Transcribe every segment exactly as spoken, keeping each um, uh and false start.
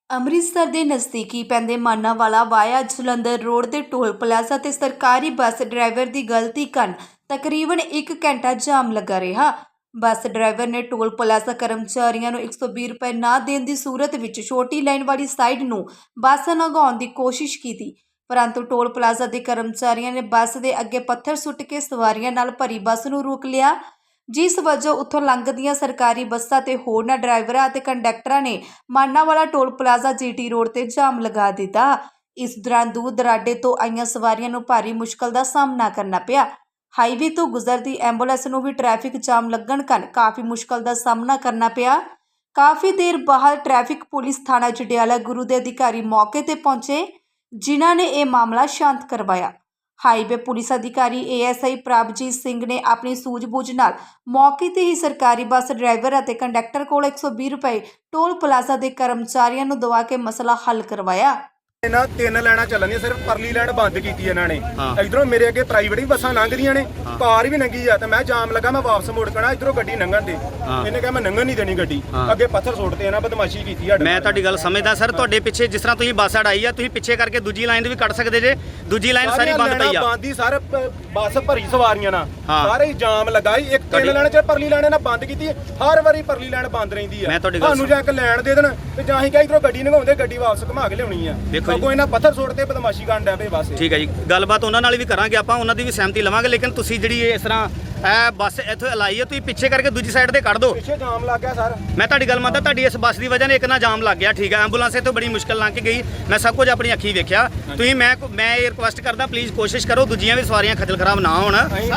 ਅੰਮ੍ਰਿਤਸਰ ਦੇ ਨਜ਼ਦੀਕੀ ਪੈਂਦੇ ਮਾਨਾਂਵਾਲਾ ਵਾਇਆ ਜਲੰਧਰ ਰੋਡ ਦੇ ਟੋਲ ਪਲਾਜ਼ਾ ਤੇ ਸਰਕਾਰੀ ਬੱਸ ਡਰਾਈਵਰ ਦੀ ਗਲਤੀ ਕਾਰਨ ਤਕਰੀਬਨ ਇੱਕ ਘੰਟਾ ਜਾਮ ਲੱਗਾ ਰਿਹਾ। ਬੱਸ ਡਰਾਈਵਰ ਨੇ ਟੋਲ ਪਲਾਜ਼ਾ ਕਰਮਚਾਰੀਆਂ ਨੂੰ ਇੱਕ ਸੌ ਵੀਹ ਰੁਪਏ ਨਾ ਦੇਣ ਦੀ ਸੂਰਤ ਵਿੱਚ ਛੋਟੀ ਲਾਈਨ ਵਾਲੀ ਸਾਈਡ ਨੂੰ ਬੱਸ ਲੰਘਾਉਣ ਦੀ ਕੋਸ਼ਿਸ਼ ਕੀਤੀ, ਪਰੰਤੂ ਟੋਲ ਪਲਾਜ਼ਾ ਦੇ ਕਰਮਚਾਰੀਆਂ ਨੇ ਬੱਸ ਦੇ ਅੱਗੇ ਪੱਥਰ ਸੁੱਟ ਕੇ ਸਵਾਰੀਆਂ ਨਾਲ ਭਰੀ ਬੱਸ ਨੂੰ ਰੋਕ ਲਿਆ, ਜਿਸ ਵਜੋਂ ਉੱਥੋਂ ਲੰਘਦੀਆਂ ਸਰਕਾਰੀ ਬੱਸਾਂ ਤੇ ਹੋਰਨਾਂ ਡਰਾਈਵਰਾਂ ਅਤੇ ਕੰਡਕਟਰਾਂ ਨੇ Manawala toll plaza GT road ਤੇ ਜਾਮ ਲਗਾ ਦਿੱਤਾ। ਇਸ ਦੌਰਾਨ ਦੂਰ ਦਰਾਡੇ ਤੋਂ ਆਈਆਂ ਸਵਾਰੀਆਂ ਨੂੰ ਭਾਰੀ ਮੁਸ਼ਕਲ ਦਾ ਸਾਹਮਣਾ ਕਰਨਾ ਪਿਆ। ਹਾਈਵੇ ਤੋਂ ਗੁਜ਼ਰਦੀ ਐਂਬੂਲੈਂਸ ਨੂੰ ਵੀ ਟ੍ਰੈਫਿਕ ਜਾਮ ਲੱਗਣ ਕਾਰਨ ਕਾਫੀ ਮੁਸ਼ਕਲ ਦਾ ਸਾਹਮਣਾ ਕਰਨਾ ਪਿਆ। ਕਾਫੀ ਦੇਰ ਬਾਅਦ ਟ੍ਰੈਫਿਕ ਪੁਲਿਸ ਥਾਣਾ ਜੰਡਿਆਲਾ ਗੁਰੂ ਦੇ ਅਧਿਕਾਰੀ ਮੌਕੇ ਤੇ ਪਹੁੰਚੇ, ਜਿਨ੍ਹਾਂ ਨੇ ਇਹ ਮਾਮਲਾ ਸ਼ਾਂਤ ਕਰਵਾਇਆ। ਹਾਈਵੇ ਪੁਲਿਸ ਅਧਿਕਾਰੀ A S I Prabhjit Singh ਨੇ ਆਪਣੀ ਸੂਝ-ਬੂਝ ਨਾਲ ਮੌਕੇ ਤੇ ਹੀ ਸਰਕਾਰੀ ਬੱਸ ਡਰਾਈਵਰ ਅਤੇ ਕੰਡਕਟਰ ਕੋਲ ਇੱਕ ਸੌ ਵੀਹ ਰੁਪਏ ਟੋਲ ਪਲਾਜ਼ਾ ਦੇ ਕਰਮਚਾਰੀਆਂ ਨੂੰ ਦਵਾ ਕੇ ਮਸਲਾ ਹੱਲ ਕਰਵਾਇਆ। ਇਹਨਾਂ ਤਿੰਨ ਲੈਣਾ ਚੱਲਣੀਆਂ, ਸਿਰਫ ਪਰਲੀ ਲੈਣ ਬੰਦ ਕੀਤੀ ਇਹਨਾਂ ਨੇ। ਇਧਰੋਂ ਮੇਰੇ ਅੱਗੇ ਪ੍ਰਾਈਵੇਟ ਵੀ ਬੱਸਾਂ ਲੰਘਦੀਆਂ ਨੇ, ਕਾਰ ਵੀ ਲੰਘੀ ਆ ਤੇ ਮੈਂ ਜਾਮ ਲੱਗਾ, ਮੈਂ ਵਾਪਸ ਮੁੜ ਕਣਾ, ਇਧਰੋਂ ਗੱਡੀ ਲੰਘਣ ਦੇ। ਇਹਨੇ ਕਿਹਾ ਮੈਂ ਲੰਘਣ ਨਹੀਂ ਦੇਣੀ ਗੱਡੀ, ਅੱਗੇ ਪੱਥਰ ਸੁੱਟਦੇ ਇਹਨਾਂ ਬਦਮਾਸ਼ੀ ਕੀਤੀ ਆ। ਮੈਂ ਤੁਹਾਡੀ ਗੱਲ ਸਮਝਦਾ ਸਰ, ਤੁਹਾਡੇ ਪਿੱਛੇ ਜਿਸ ਤਰ੍ਹਾਂ ਤੁਸੀਂ ਬੱਸ ਅੜਾਈ ਆ, ਤੁਸੀਂ ਪਿੱਛੇ ਕਰਕੇ ਦੂਜੀ ਲਾਈਨ ਵੀ ਕੱਢ ਸਕਦੇ ਜੇ। ਦੂਜੀ ਲਾਈਨ ਸਾਰੀ ਬੰਦ ਪਈ ਆ, ਬੰਦ ਹੀ ਸਾਰੇ ਬੱਸ ਭਰੀ ਸਵਾਰੀਆਂ ਨਾਲ, ਸਾਰੇ ਜਾਮ ਲਗਾਈ। ਇੱਕ ਤਿੰਨ ਲੈਣ ਚ ਪਰਲੀ ਲੈਣ ਨਾਲ ਬੰਦ ਕੀਤੀ, ਹਰ ਵਾਰੀ ਪਰਲੀ ਲੈਣ ਬੰਦ ਰਹਿੰਦੀ ਆ। ਤੁਹਾਨੂੰ ਜਾਂ ਇੱਕ ਲੈਣ ਦੇ ਦੇਣ ਤੇ ਜਾਂ ਹੀ ਕਹਾਂ ਇਧਰੋਂ ਗੱਡੀ ਲੰਘਾਉਂਦੇ, ਗੱਡੀ ਵਾਪਸ ਘੁਮਾ ਕੇ ਲਿਆਉਣੀ ਆ। ਅੱਗੋਂ ਇਹਨਾਂ ਪੱਥਰ ਸੁੱਟ ਤੇ ਬਦਮਾਸ਼ੀ ਕਰਨ ਡਿਆ ਪਏ ਬਸ। ਠੀਕ ਹੈ ਜੀ, ਗੱਲਬਾਤ ਉਹਨਾਂ ਨਾਲ ਵੀ ਕਰਾਂਗੇ ਆਪਾਂ, ਉਹਨਾਂ ਦੀ ਵੀ ਸਹਿਮਤੀ ਲਵਾਂਗੇ। ਲੇਕਿਨ ਤੁਸੀਂ ਜਿਹੜੀ ਇਸ ਤਰ੍ਹਾਂ ਇਹ ਬੱਸ ਇੱਥੇ ਲਾਈ ਹੈ, ਤੁਸੀਂ ਪਿੱਛੇ ਕਰਕੇ ਦੂਜੀ ਸਾਈਡ ਤੇ ਕੱਢ ਦਿਓ। ਪਿੱਛੇ ਜਾਮ ਲੱਗ ਗਿਆ ਸਰ। ਮੈਂ ਤੁਹਾਡੀ ਗੱਲ ਮੰਨਦਾ, ਤੁਹਾਡੀ ਇਸ ਬੱਸ ਦੀ ਵਜ੍ਹਾ ਨਾਲ ਇੱਕ ਨਾ ਜਾਮ ਲੱਗ ਗਿਆ। ਠੀਕ ਹੈ, ਐਂਬੂਲੈਂਸ ਇੱਥੋਂ ਬੜੀ ਮੁਸ਼ਕਲ ਲੰਘ ਕੇ ਗਈ, ਮੈਂ ਸਭ ਕੁਝ ਆਪਣੀ ਅੱਖੀਂ ਵੇਖਿਆ। ਤੁਸੀਂ ਮੈਂ ਮੈਂ ਇਹ ਰਿਕੁਐਸਟ ਕਰਦਾ, ਪਲੀਜ਼ ਕੋਸ਼ਿਸ਼ ਕਰੋ ਦੂਜੀਆਂ ਵੀ ਸਵਾਰੀਆਂ ਖੱਜਲ ਖਰਾਬ ਨਾ ਹੋਣ। ਹਾਂਜੀ,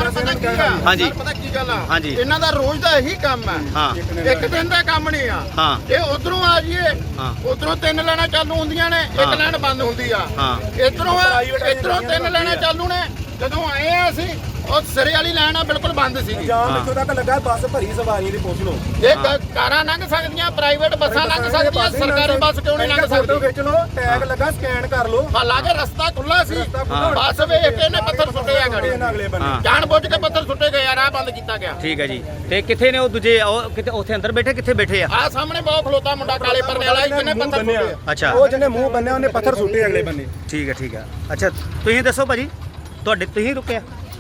ਪਤਾ ਕੀ ਗੱਲ ਆ, ਹਾਂਜੀ ਇਹਨਾਂ ਦਾ ਰੋਜ਼ ਦਾ ਇਹੀ ਕੰਮ ਹੈ। ਹਾਂ, ਇੱਕ ਦਿਨ ਦਾ ਕੰਮ ਨਹੀਂ ਆ। ਹਾਂ, ਇਹ ਉਧਰੋਂ ਆ ਜੀਏ, ਉਧਰੋਂ ਤਿੰਨ ਲੈਣਾ ਚਾਲੂ ਹੁੰਦੀਆਂ ਨੇ, ਇੱਕ ਲੈਣ ਬੰਦ ਹੁੰਦੀ ਆ। ਇਧਰੋਂ ਇਧਰੋਂ ਤਿੰਨ ਲੈਣਾ ਚਾਲੂ ਨੇ। ਜਦੋਂ ਆਏ ਆ ਅਸੀਂ, ਉਹ ਸਿਰੇ ਵਾਲੀ ਲਾਈਨ ਆ ਬਿਲਕੁਲ ਬੰਦ ਸੀਗੀ। ਜਾਮ ਇੱਥੋਂ ਤੱਕ ਲੱਗਾ, ਬੱਸ ਭਰੀ ਸਵਾਰੀਆਂ ਦੀ ਪੁੱਛ ਲਓ। ਇਹ ਕਾਰਾਂ ਲੰਘ ਸਕਦੀਆਂ, ਪ੍ਰਾਈਵੇਟ ਬੱਸਾਂ ਲੰਘ ਸਕਦੀਆਂ, ਸਰਕਾਰੀ ਬੱਸ ਕਿਉਂ ਨਹੀਂ ਲੰਘ ਸਕਦੀ? ਖਿੱਚ ਲਓ, ਟੈਗ ਲੱਗਾ, ਸਕੈਨ ਕਰ ਲਓ। ਹਾਲਾਂਕਿ ਰਸਤਾ ਖੁੱਲਾ ਸੀ, ਬੱਸ ਵੇਖ ਕੇ ਇਹਨੇ ਪੱਥਰ ਸੁੱਟੇ ਆ ਗਾੜੀ, ਅਗਲੇ ਬੰਨੇ ਜਾਣ ਬੁੱਝ ਕੇ ਪੱਥਰ ਸੁੱਟੇ ਗਏ ਆ, ਰਾਹ ਬੰਦ ਕੀਤਾ ਗਿਆ। ਠੀਕ ਹੈ ਜੀ। ਤੇ ਕਿੱਥੇ ਨੇ ਉਹ ਦੂਜੇ, ਉਹ ਕਿਤੇ ਉੱਥੇ ਅੰਦਰ ਬੈਠੇ, ਕਿੱਥੇ ਬੈਠੇ ਆ? ਆ ਸਾਹਮਣੇ ਬਹੁਤ ਖਲੋਤਾ ਮੁੰਡਾ ਕਾਲੇ ਪਰਨੇ ਵਾਲਾ, ਜਿਹਨੇ ਪੱਥਰ ਸੁੱਟੇ। ਅੱਛਾ, ਉਹ ਜਿਹਨੇ ਮੂੰਹ ਬੰਨਿਆ ਉਹਨੇ ਪੱਥਰ ਸੁੱਟੇ ਅਗਲੇ ਬੰਨੇ। ਠੀਕ ਹੈ, ਠੀਕ ਹੈ। ਅੱਛਾ, ਤੁਸੀਂ ਦੱਸੋ ਭਾਜੀ, ਤੁਹਾਡੇ ਤੁਸੀਂ ਰੁਕਿਆ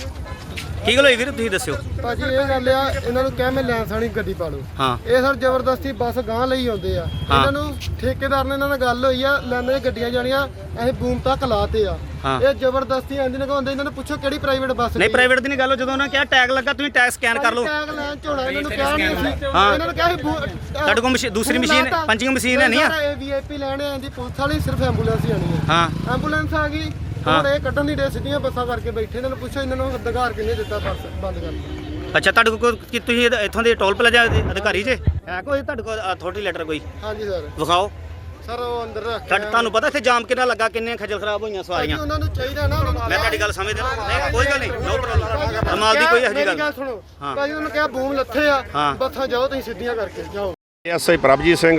ਕੀ ਗੱਲ ਹੋਈ ਵੀਰ, ਤੁਸੀਂ ਦੱਸਿਓ ਭਾਜੀ। ਇਹ ਗੱਲ ਆ, ਇਹਨਾਂ ਨੂੰ ਕਹਿ ਮੈਂ ਲੈਂਸ ਵਾਲੀ ਗੱਡੀ ਪਾ ਲਓ। ਹਾਂ, ਇਹ ਸਰ ਜ਼ਬਰਦਸਤੀ ਬੱਸ ਗਾਂ ਲਈ ਆਉਂਦੇ ਆ। ਇਹਨਾਂ ਨੂੰ ਠੇਕੇਦਾਰ ਨੇ ਇਹਨਾਂ ਨਾਲ ਗੱਲ ਹੋਈ ਆ, ਲੈਣੇ ਗੱਡੀਆਂ ਜਾਣੀਆਂ ਅਸੀਂ ਬੂਮ ਤੱਕ ਲਾਤੇ ਆ। ਇਹ ਜ਼ਬਰਦਸਤੀ ਆਂਦੀ ਲਗਾਉਂਦੇ। ਇਹਨਾਂ ਨੂੰ ਪੁੱਛੋ ਕਿਹੜੀ ਪ੍ਰਾਈਵੇਟ ਬੱਸ? ਨਹੀਂ, ਪ੍ਰਾਈਵੇਟ ਦੀ ਨਹੀਂ ਗੱਲ। ਜਦੋਂ ਉਹਨਾਂ ਕਿਹਾ ਟੈਗ ਲੱਗਾ, ਤੁਸੀਂ ਟੈਗ ਸਕੈਨ ਕਰ ਲਓ। ਟੈਗ ਲੈਣ ਝੋਲਾ ਇਹਨਾਂ ਨੂੰ ਕਿਹਾ ਨਹੀਂ ਸੀ। ਇਹਨਾਂ ਨੂੰ ਕਿਹਾ ਸੀ ਤੁਹਾਡੇ ਕੋਲ ਦੂਸਰੀ ਮਸ਼ੀਨ, ਪੰਚਿੰਗ ਮਸ਼ੀਨ ਹੈ ਨਹੀਂ ਆ? ਇਹ ਵੀ ਆਈ ਪੀ ਲੈਣੇ ਆਂਦੀ ਪੁਲਿਸ ਵਾਲੀ, ਸਿਰਫ ਐਂਬੂਲੈਂਸ ਹੀ ਆਣੀ ਹੈ। ਹਾਂ, ਐਂਬੂਲੈਂਸ ਆ ਗਈ ਹੁਣ, ਇਹ ਕੱਢਣ ਦੀ ਡੇ ਸਿੱਧੀਆਂ ਬੱਸਾਂ ਕਰਕੇ ਬੈਠੇ। ਇਹਨਾਂ ਨੂੰ ਪੁੱਛੋ ਇਹਨਾਂ ਨੂੰ ਅਧਿਕਾਰ ਕਿਹਨੇ ਦਿੱਤਾ ਬੱਸ ਬੰਦ ਕਰਨ ਦਾ? ਅੱਛਾ, ਤੁਹਾਡੇ ਕੋਲ ਕੀ ਤੁਸੀਂ ਇੱਥੋਂ ਦੇ ਟੋਲ ਪਲਾਜ਼ਾ ਦੇ ਅਧਿਕਾਰੀ ਜੇ ਹੈ ਕੋਈ ਤੁਹਾਡੇ ਕੋਲ ਅਥਾਰਟੀ ਲੈਟਰ ਕੋਈ? ਹਾਂਜੀ ਸਰ, ਵਿਖਾਓ। ਸਰ ਉਹ ਅੰਦਰ ਰੱਖ, ਤੁਹਾਨੂੰ ਪਤਾ ਇੱਥੇ ਜਾਮ ਕਿੰਨਾ ਲੱਗਾ, ਕਿੰਨੇ ਖੱਜਲ ਖਰਾਬ ਹੋਈਆਂ ਸਵਾਰੀਆਂ। ਉਹਨਾਂ ਨੂੰ ਚਾਹੀਦਾ ਨਾ। ਮੈਂ ਤੁਹਾਡੀ ਗੱਲ ਸਮਝਦਾ, ਨਹੀਂ ਕੋਈ ਗੱਲ ਨਹੀਂ, ਨੋ ਪ੍ਰੋਬਲਮ। ਕਮਾਲ ਦੀ ਕੋਈ ਇਹੋ ਜਿਹੀ ਗੱਲ। ਸੁਣੋ ਭਾਜੀ, ਉਹਨਾਂ ਕਿਹਾ ਬੂਮ ਲੱਥੇ ਆ, ਬੱਸਾਂ ਜਾਓ ਤੁਸੀਂ ਸਿੱਧੀਆਂ ਕਰਕੇ ਜਾਓ। S I Prabhjit Singh,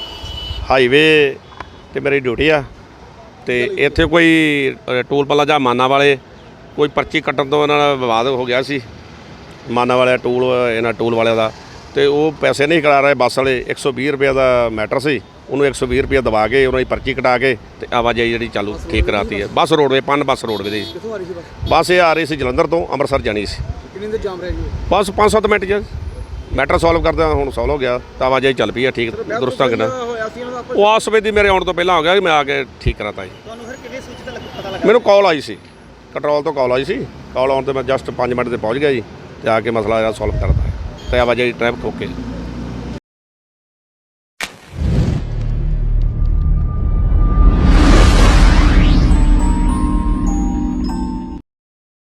highway ਤੇ ਮੇਰੀ ਡਿਊਟੀ ਆ। ਤੇ ਇੱਥੇ ਕੋਈ ਟੋਲ ਪਲਾਜ਼ਾ ਮਾਨਾ ਵਾਲੇ ਕੋਈ ਪਰਚੀ ਕੱਟਣ ਤੋਂ ਇਹਨਾਂ ਨਾਲ ਵਿਵਾਦ ਹੋ ਗਿਆ ਸੀ। ਮਾਨਾ ਵਾਲੇ ਟੋਲ, ਇਹਨਾਂ ਟੋਲ ਵਾਲਿਆਂ ਦਾ, ਤੇ ਉਹ ਪੈਸੇ ਨਹੀਂ ਕਰਾ ਰਹੇ ਬੱਸ ਵਾਲੇ। ਇੱਕ ਸੌ ਵੀਹ ਰੁਪਏ ਦਾ ਮੈਟਰ ਸੀ, ਉਹਨੂੰ ਇੱਕ ਸੌ ਵੀਹ ਰੁਪਏ ਦਵਾ ਕੇ ਉਹਨਾਂ ਦੀ ਪਰਚੀ ਕਟਾ ਕੇ ਤੇ ਆਵਾਜਾਈ ਜਿਹੜੀ ਚਾਲੂ ਠੀਕ ਕਰਾਤੀ ਹੈ। ਬੱਸ ਰੋਡਵੇ ਪੰਨ ਬੱਸ ਰੋਡਵੇ ਦੀ ਬੱਸ ਇਹ ਆ ਰਹੀ ਸੀ ਜਲੰਧਰ ਤੋਂ ਅੰਮ੍ਰਿਤਸਰ ਜਾਣੀ ਸੀ। ਕਿੰਨੀ ਦੇਰ ਜਾਮ ਰਹਿ ਗਈ? ਬਸ ਪੰਜ ਸੱਤ ਮਿੰਟ 'ਚ ਮੈਟਰ ਸੋਲਵ ਕਰਦਾ ਹੁਣ ਸੋਲਵ ਹੋ ਗਿਆ, ਤਾਂ ਆਵਾਜਾਈ ਚੱਲ ਪਈ ਆ ਠੀਕ ਦੁਰਸਤਾਂ ਕਿੰਨਾ। ਉਹ ਆਸ ਵੇਦੀ ਮੇਰੇ ਆਉਣ ਤੋਂ ਪਹਿਲਾਂ ਹੋ ਗਿਆ, ਮੈਂ ਆ ਕੇ ਠੀਕ ਕਰਾਤਾ ਜੀ। ਤੁਹਾਨੂੰ ਫਿਰ ਕਿਵੇਂ ਸੂਚਿਤ ਪਤਾ ਲੱਗਾ? ਮੈਨੂੰ ਕਾਲ ਆਈ ਸੀ, ਕੰਟਰੋਲ ਤੋਂ ਕਾਲ ਆਈ ਸੀ। ਕਾਲ ਆਉਣ ਤੇ ਮੈਂ ਜਸਟ ਪੰਜ ਮਿੰਟ ਤੇ ਪਹੁੰਚ ਗਿਆ ਜੀ, ਤੇ ਆ ਕੇ ਮਸਲਾ ਜਿਹੜਾ ਸੋਲਵ ਕਰਦਾ ਤੇ ਆਵਾਜਾਈ ਟ੍ਰੈਫਿਕ ਓਕੇ।